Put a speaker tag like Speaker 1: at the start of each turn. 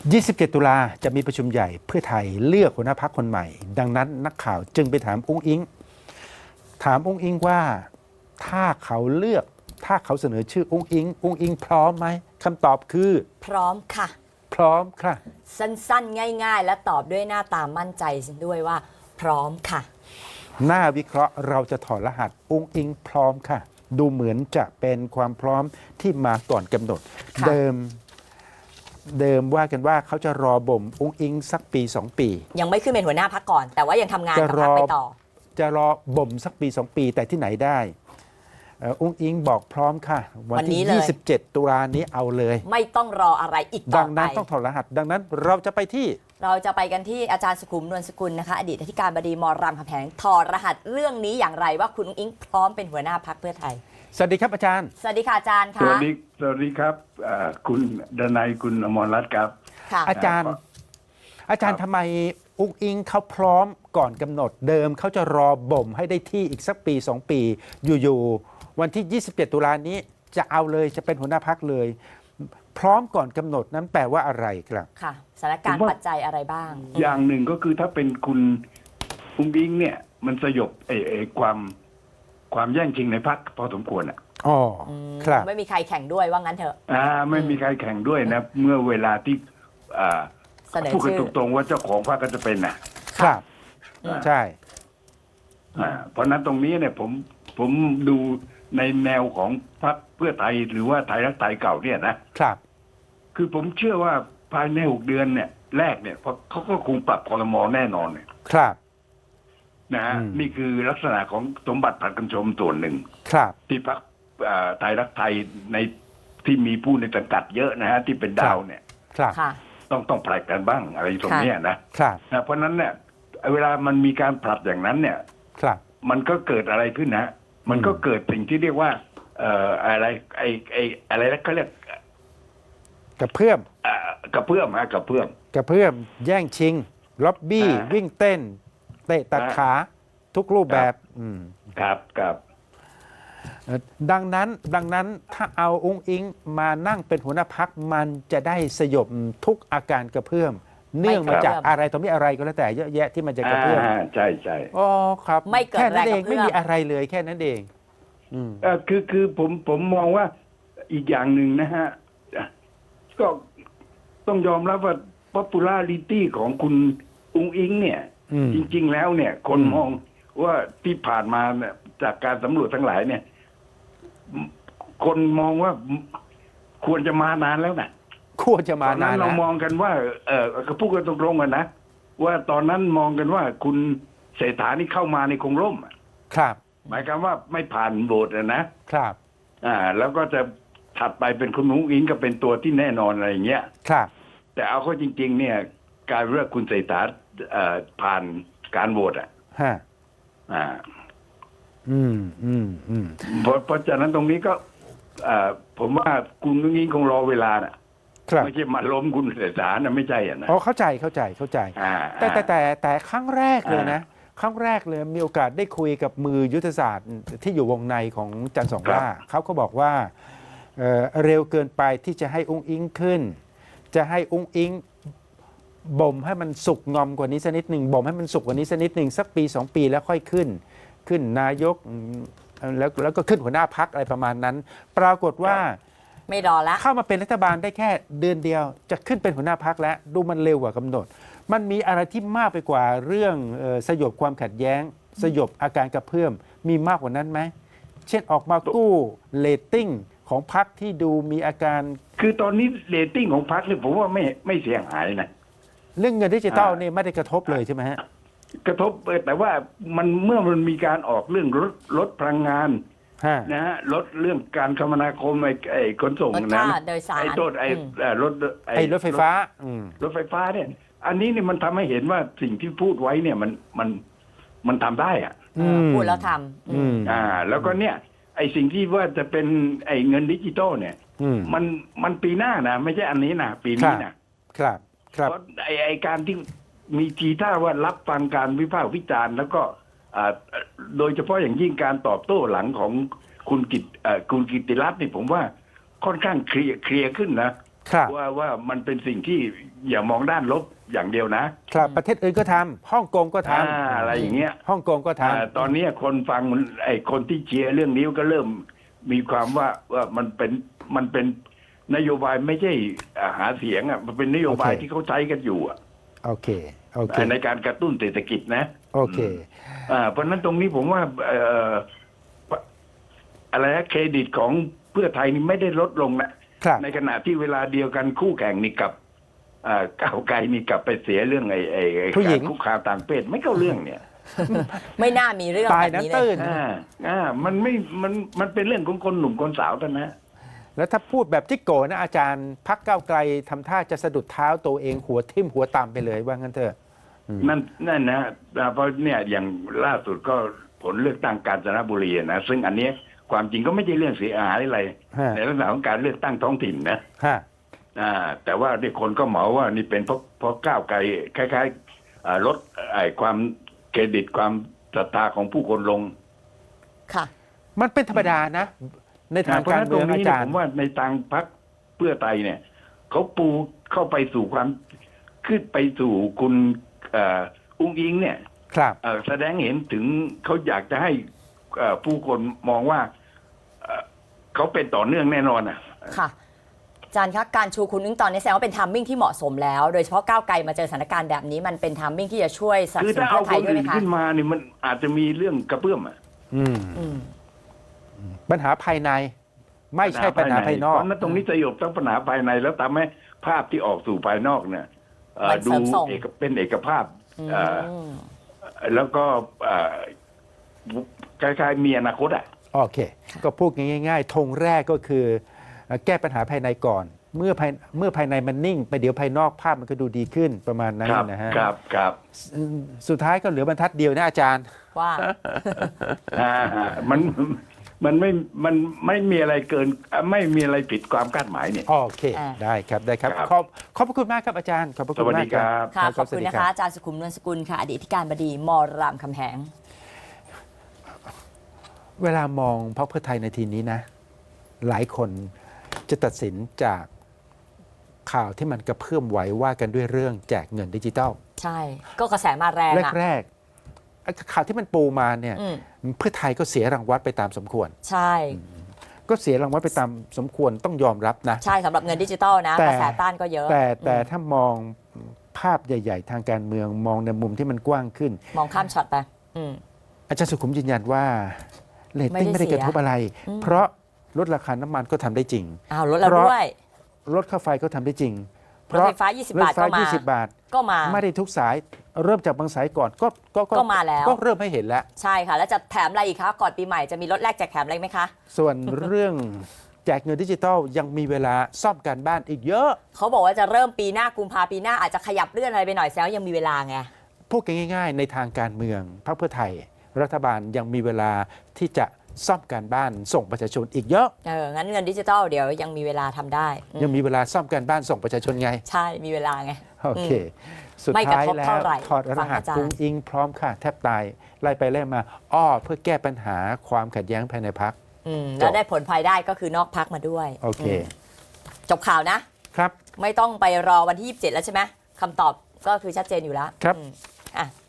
Speaker 1: 27 ตุลาจะมีประชุมใหญ่เพื่อไทยเลือกหัวหน้าพรรคคนใหม่ดังนั้นนักข่าวจึงไปถามอุ้งอิงว่าถ้าเขาเสนอชื่ออุ้งอิงพร้อมไหมคำตอบคือ
Speaker 2: พร้อมค่ะ
Speaker 1: พร้อมค่ะ
Speaker 2: สั้นๆง่ายๆและตอบด้วยหน้าตามั่นใจด้วยว่าพร้อมค่ะ
Speaker 1: หน้าวิเคราะห์เราจะถอดรหัสอุ้งอิงพร้อมค่ะดูเหมือนจะเป็นความพร้อมที่มาก่อนกำหนดเดิมว่ากันว่าเขาจะรอบ่มอุ้งอิงสักปี 2 ปี
Speaker 2: ยังไม่ขึ้นเป็นหัวหน้าพรรคก่อนแต่ว่ายังทำงานกับพรรคไปต่อ
Speaker 1: จะรอบ่มสักปี 2 ปีแต่ที่ไหนได้อุ้งอิงบอกพร้อมค่ะวันที่27 ตุลานี้เอาเลย
Speaker 2: ไม่ต้องรออะไรอีกต่อไป
Speaker 1: ดังนั้นต้องถอดรหัสดังนั้นเราจะไป
Speaker 2: กันที่อาจารย์สุขุมนวลสกุลนะคะอดีตอธิการบดีม.รามคำแหงถอดรหัสเรื่องนี้อย่างไรว่าคุณอุ้งอิงพร้อมเป็นหัวหน้าพรรคเพื่อไทย
Speaker 1: สวัสดีครับอาจารย์
Speaker 2: สวัสดีค่ะอาจารย์ค่ะ
Speaker 3: สวัสดีครับคุณดนัยคุณอมรรัตน์ครับ
Speaker 1: อาจารย์ทำไมอุ้งอิงเขาพร้อมก่อนกำหนดเดิมเขาจะรอบ่มให้ได้ที่อีกสักปี 2 ปีอยู่วันที่27 ตุลานี้จะเอาเลยจะเป็นหัวหน้าพรรคเลยพร้อมก่อนกำหนดนั้นแปลว่าอะไรครับ
Speaker 2: ค่ะสถานการณ์ปัจจัยอะไรบ้าง
Speaker 3: อย่างหนึ่งก็คือถ้าเป็นคุณอุ้งอิงเนี่ยมันสยบความแย่งชิงในพรรคพอสมควร
Speaker 1: อ๋อครับ
Speaker 2: ไม่มีใครแข่งด้วยว่างั้นเถอะ
Speaker 3: ไม่มีใครแข่งด้วยนะเมื่อเวลาที่พูดกันตรงๆว่าเจ้าของพรรคก็จะเป็น
Speaker 1: ครับใช่
Speaker 3: เพราะนั้นตรงนี้เนี่ยผมดูในแนวของพรรคเพื่อไทยหรือว่าไทยรักไทยเก่าเนี่ยนะครับคือผมเชื่อว่าภายใน6 เดือนเนี่ยแรกเนี่ยเขาก็คงปรับครม.แน่นอนเนี่ย
Speaker 1: ครับ
Speaker 3: นะฮะนี่คือลักษณะของสมบัติผัดกันชมส่วนหนึ่ง
Speaker 1: ครับ
Speaker 3: ที่พรรคไทยรักไทยในที่มีผู้ในสังกัดเยอะนะฮะที่เป็นดาวเนี่ย
Speaker 1: ครับ
Speaker 3: ต้องผลัดกันบ้างอะไรตรงนี้นะครับเพราะนั้นเนี่ยเวลามันมีการผลัดอย่างนั้นเนี่ยมันก็เกิดอะไรขึ้นนะมันก็เกิดสิ่งที่เรียกว่าอะไรอะไรนะเขาเรียก
Speaker 1: กระเพื่อมแย่งชิงล็อบบี้วิ่งเต้นเตะตัดขาทุกรูปแบบ
Speaker 3: ครับ
Speaker 1: ดังนั้นถ้าเอาอุ้งอิงมานั่งเป็นหัวหน้าพรรคมันจะได้สยบทุกอาการกระเพื่อมเนื่องมาจากอะไรต่อมีอะไรก็แล้วแต่เยอะแยะที่มันจะกระเพื่อม
Speaker 3: ใช่
Speaker 1: อ๋อครับ
Speaker 2: ไม่เกิด
Speaker 1: แค่นั้นเอง
Speaker 2: ไม่
Speaker 1: มีอะไรเลยแค่นั้นเอง
Speaker 3: คือผมมองว่าอีกอย่างหนึ่งนะฮะก็ต้องยอมรับว่า popularity ของคุณอุ้งอิงเนี่ยจริงๆแล้วเนี่ยคนมองว่าที่ผ่านมาเนี่ยจากการสำรวจทั้งหลายเนี่ยคนมองว่าควรจะมานานแล้วนะ
Speaker 1: ควรจะมานาน
Speaker 3: เรามองกันว่าก็พูดกันตรงๆกันนะว่าตอนนั้นมองกันว่าคุณเศรษฐานี่เข้ามาในคงร่ม
Speaker 1: ครับ
Speaker 3: หมายความว่าไม่ผ่านโหวตนะครับแล้วก็จะถัดไปเป็นคุณอุ้งอิงก็เป็นตัวที่แน่นอนอะไรอย่างเงี้ย
Speaker 1: ครับ
Speaker 3: แต่เอาเข้าจริงๆเนี่ยการเลือกคุณเศรษฐาผ่านการโหวตเพราะฉะนั้นตรงนี้ก็ผมว่าคุณอุ้งอิงคงรอเวลาไม่ใช่มาล้มคุณเศรษฐาไม่ใช่นะ
Speaker 1: เข้าใจแต่ครั้งแรกเลยนะครั้งแรกเลยมีโอกาสได้คุยกับมือยุทธศาสตร์ที่อยู่วงในของจันทร์สองล่าเขาก็บอกว่าเร็วเกินไปที่จะให้อุ้งอิงขึ้นจะให้อุ้งอิงบ่มให้มันสุกงอมกว่านี้สักนิดหนึ่งบ่มให้มันสุกกว่านี้สักนิดหนึ่งสักปี 2 ปีแล้วค่อยขึ้นนายกแล้วก็ขึ้นหัวหน้าพรรคอะไรประมาณนั้นปรากฏว่า
Speaker 2: ไม่รอแล้ว
Speaker 1: เข้ามาเป็นรัฐบาลได้แค่เดือนเดียวจะขึ้นเป็นหัวหน้าพรรคแล้วดูมันเร็วกว่ากำหนดมันมีอะไรที่มากไปกว่าเรื่องสยบความขัดแย้งสยบอาการกระเพื่อมมีมากกว่านั้นไหมเช่นออกมากู้เรตติ้งของพรรคที่ดูมีอาการ
Speaker 3: คือตอนนี้เรตติ้งของพรรคเนี่ยผมว่าไม่เสียหายนะ
Speaker 1: เรื่องเงินดิจิตอลนี่ไม่ได้กระทบเลยใช่ไหมฮะ
Speaker 3: กระทบแต่ว่าเมื่อมันมีการออกเรื่องลดพลังงานนะฮะลดเรื่องการคมนาคมไอ้ขนส่งนะไอ้ต้นรถ
Speaker 1: ไฟฟ้า
Speaker 3: เนี่ยอันนี้เนี่ยมันทำให้เห็นว่าสิ่งที่พูดไว้เนี่ยมันทำได้
Speaker 2: พูดแล้วท
Speaker 3: ำแล้วก็เนี่ยไอ้สิ่งที่ว่าจะเป็นไอ้เงินดิจิตอลเนี่ยมันปีหน้านะไม่ใช่อันนี้นะปีนี้นะครับเพราะไอ้การที่มีทีท่าว่ารับฟังการวิพากษ์วิจารณ์แล้วก็โดยเฉพาะอย่างยิ่งการตอบโต้หลังของคุณกิตติรัตน์นี่ผมว่าค่อนข้างเคลียร์ขึ้นนะ
Speaker 1: ครับ
Speaker 3: ว่ามันเป็นสิ่งที่อย่ามองด้านลบอย่างเดียวนะครับ
Speaker 1: ประเทศอื่นก็ทำฮ่องกงก็ท
Speaker 3: อะไรอย่างเงี้ย
Speaker 1: ำฮ่องกงก็ท
Speaker 3: ตอนนี้คนฟังไอ้คนที่เชียร์เรื่องนี้ก็เริ่มมีความว่ามันเป็นนโยบายไม่ใช่หาเสียงอ่ะมันเป็นนโยบายที่เขาใช้กันอยู่อ่ะ
Speaker 1: ำโอเคโอเค
Speaker 3: ในการกระตุ้นเศรษฐกิจนะ
Speaker 1: โอเค
Speaker 3: เพราะฉะนั้นตรงนี้ผมว่าอะไรนะเครดิตของเพื่อไทยนี่ไม่ได้ลดลงนะครับ ในขณะที่เวลาเดียวกันคู่แข่งนี่กับก้าวไกลนี่กลับไปเสียเรื่องไอ้
Speaker 1: ผู้หญิง
Speaker 3: การคุกคามทางเพศไม่เข้าเรื่องเนี่ย
Speaker 2: ไม่น่ามีเรื่อง
Speaker 1: ตาย
Speaker 2: แบบนี้เล
Speaker 1: น้ำตื้
Speaker 2: ย
Speaker 1: น
Speaker 3: มันเป็นเรื่องของคนหนุ่มคนสาวเท่านั้นนะ
Speaker 1: แล้วถ้าพูดแบบจิกโกนะอาจารย์พักก้าวไกลทำท่าจะสะดุดเท้าตัวเองหัวทิ่มหัวตามไปเลยว่างั้นเถอะ
Speaker 3: นั่นนะเพราะเนี่ยอย่างล่าสุดก็ผลเลือกตั้งกาญจนบุรีนะซึ่งอันเนี้ยความจริงก็ไม่ใช่เรื่องเสียหายอะไร
Speaker 1: ฮะ
Speaker 3: ในลักษณะของการเลือกตั้งท้องถิ่นนะ
Speaker 1: ฮะ
Speaker 3: แต่ว่าเนี่ยคนก็เหมาว่านี่เป็นเพราะก้าวไกลคล้ายๆลดความเครดิตความศรัทธาของผู้คนลง
Speaker 2: ค่ะ
Speaker 1: มันเป็นธรรมดานะ ในทาง
Speaker 3: เพราะ
Speaker 1: การ
Speaker 3: ฉะนั้นต
Speaker 1: เมื
Speaker 3: ร
Speaker 1: อง
Speaker 3: งนี้
Speaker 1: อา
Speaker 3: เนี่ย
Speaker 1: จาร
Speaker 3: ผ
Speaker 1: ย์
Speaker 3: มว่าในทางพรรคเพื่อไทยเนี่ยเขาปูเข้าไปสู่ความขึ้นไปสู่คุณอุ้งอิงเนี่ย
Speaker 1: ครับ
Speaker 3: แสดงเห็นถึงเขาอยากจะให้ผู้คนมองว่าเขาเป็นต่อเนื่องแน่นอนอ่ะ
Speaker 2: ค่ะอาจารย์คะการชูคุณอุ้งตอนนี้แสดงว่าเป็นทัมมิ่งที่เหมาะสมแล้ว โดยเฉพาะก้าวไกลมาเจอสถานการณ์แบบนี้มันเป็นทัมมิ่งที่จะช่วยสนับ
Speaker 3: คือ
Speaker 2: สนุ
Speaker 3: ถ้าน
Speaker 2: เพื่
Speaker 3: เอา
Speaker 2: อไท
Speaker 3: ค
Speaker 2: ย
Speaker 3: น
Speaker 2: ด้วยไหม
Speaker 3: อื่น
Speaker 2: คะ
Speaker 3: ขึ้นมาเนี่ยมันอาจจะมีเรื่องกระเพื่อมอ่ะ
Speaker 1: อืม
Speaker 2: อืม
Speaker 1: ปัญหาภายใน ไม่ใช่ปัญหาภายนอก
Speaker 3: เพราะนั้นตรงนี้สยบทั้งปัญหาภายในแล้วทำให้ภาพที่ออกสู่ภายนอกเนี่ย
Speaker 2: มัน
Speaker 3: ดู
Speaker 2: เสริมส่ง
Speaker 3: เป็นเอกภาพ
Speaker 2: อืม
Speaker 3: แล้วก็คล้ายๆมีอนาคตอ่ะ
Speaker 1: โอเค ก็พูดง่ายๆธงแรกก็คือแก้ปัญหาภายในก่อน เมื่อภายในมันนิ่ง ไปเดี๋ยวภายนอกภาพมันก็ดูดีขึ้นประมาณนั้น
Speaker 3: ครับ
Speaker 1: นะฮะ
Speaker 3: ครับ
Speaker 1: สุดท้ายก็เหลือบรรทัดเดียวนะอาจารย์
Speaker 2: ว่า
Speaker 3: มันไม่มีอะไรเกินไม่มีอะไรผิดความคาดหมายเนี่ย
Speaker 1: โอเค
Speaker 2: อ่า
Speaker 1: ได้ครับ ได้ครับ
Speaker 3: ครับ
Speaker 1: ขอบพระคุณมากครับอาจารย์ ขอบพระคุณมาก
Speaker 3: สวัสดีครับ
Speaker 2: ค่ะ
Speaker 1: รับ
Speaker 2: ขอบคุณ
Speaker 1: สวัสดี
Speaker 2: นะ
Speaker 1: รั
Speaker 2: คะอาจารย์สุขุมนวลสกุลค่ะอดีตที่การบดีมรามคำแหง
Speaker 1: เวลามองพรรคเพื่อไทยในทีนี้นะ หลายคนจะตัดสินจากข่าวที่มันกระเพื่อมไหวว่ากันด้วยเรื่องแจกเงินดิจิทัล
Speaker 2: ใช่ ก็กระแสมาแรงอะ
Speaker 1: แรกๆไอ้ข่าวที่มันปูมาเนี่ย
Speaker 2: อืม
Speaker 1: เพื่อไทยก็เสียรางวัลไปตามสมควร
Speaker 2: ใช่
Speaker 1: ก็เสียรางวัลไปตามสมควรต้องยอมรับนะ
Speaker 2: ใช่สำหรับเงินดิจิตอลนะ
Speaker 1: แต่
Speaker 2: กระแสต้านก็เยอะ
Speaker 1: แต่ถ้ามองภาพใหญ่ ๆ ทางการเมืองมองในมุมที่มันกว้างขึ้น
Speaker 2: มองข้ามช็อตไปอืม
Speaker 1: อาจารย์สุขุมยืนยันว่าเรตติ้ง
Speaker 2: ไม่
Speaker 1: ไม่
Speaker 2: ได้
Speaker 1: ได้กระทบอะไร
Speaker 2: อืม
Speaker 1: เพราะลดราคาน้ำมันก็ทำได้จริง
Speaker 2: อ้าวลดแล้ว
Speaker 1: เพราะ
Speaker 2: ด้วย
Speaker 1: ลดค่าไฟก็ทำได้จริง
Speaker 2: รถไฟฟ้า 20 บาท
Speaker 1: รถไฟ
Speaker 2: ก็มา
Speaker 1: 20 บาท
Speaker 2: ก็มา
Speaker 1: ไม่ได้ทุกสายเริ่มจากบางสายก่อนก็
Speaker 2: ก็มาแล้ว
Speaker 1: ก็เริ่มให้เห็นแล้ว
Speaker 2: ใช่ค่ะ แล้วจะแถมอะไรอีกคะ ก่อนปีใหม่จะมีรถแรกแจกแถมอะไรไหมคะ
Speaker 1: ส่วนเรื่องแจกเงินดิจิทัลยังมีเวลาซ่อมการบ้านอีกเยอะ
Speaker 2: เขาบอกว่าจะเริ่มปีหน้ากุมภาปีหน้าอาจจะขยับเลื่อนอะไรไปหน่อยแซวยังมีเวลาไง
Speaker 1: พูดกันง่ายๆ ในทางการเมืองพรรคเพื่อไทย รัฐบาลยังมีเวลาที่จะซ่อมการบ้านส่งประชาชนอีกเยอะ
Speaker 2: งั้นเงินดิจิทัลเดี๋ยวยังมีเวลาทำได้อืม
Speaker 1: ยังมีเวลาซ่อมการบ้านส่งประชาชนไง
Speaker 2: ใช่ มีเวลาไง
Speaker 1: โอเค สุด
Speaker 2: ไม่กระ
Speaker 1: ท้าย
Speaker 2: ทบ
Speaker 1: แล้
Speaker 2: เท่าว ไหร่
Speaker 1: ถอดรหัส
Speaker 2: ฟังอาจารย์
Speaker 1: กุ้งอิงพร้อมค่ะ แทบตาย ไล่ไปไล่มา เพื่อแก้ปัญหาความขัดแย้งภายในพัก
Speaker 2: แล้วได้ผลภายได้ก็คือนอกพักมาด้วย
Speaker 1: โอเค
Speaker 2: จบข่าวนะ
Speaker 1: ครับ
Speaker 2: ไม่ต้องไปรอวันที่ 27 แล้วใช่ไหมคำตอบก็คือชัดเจนอยู่แล้ว
Speaker 1: ครับ
Speaker 2: อ่ะ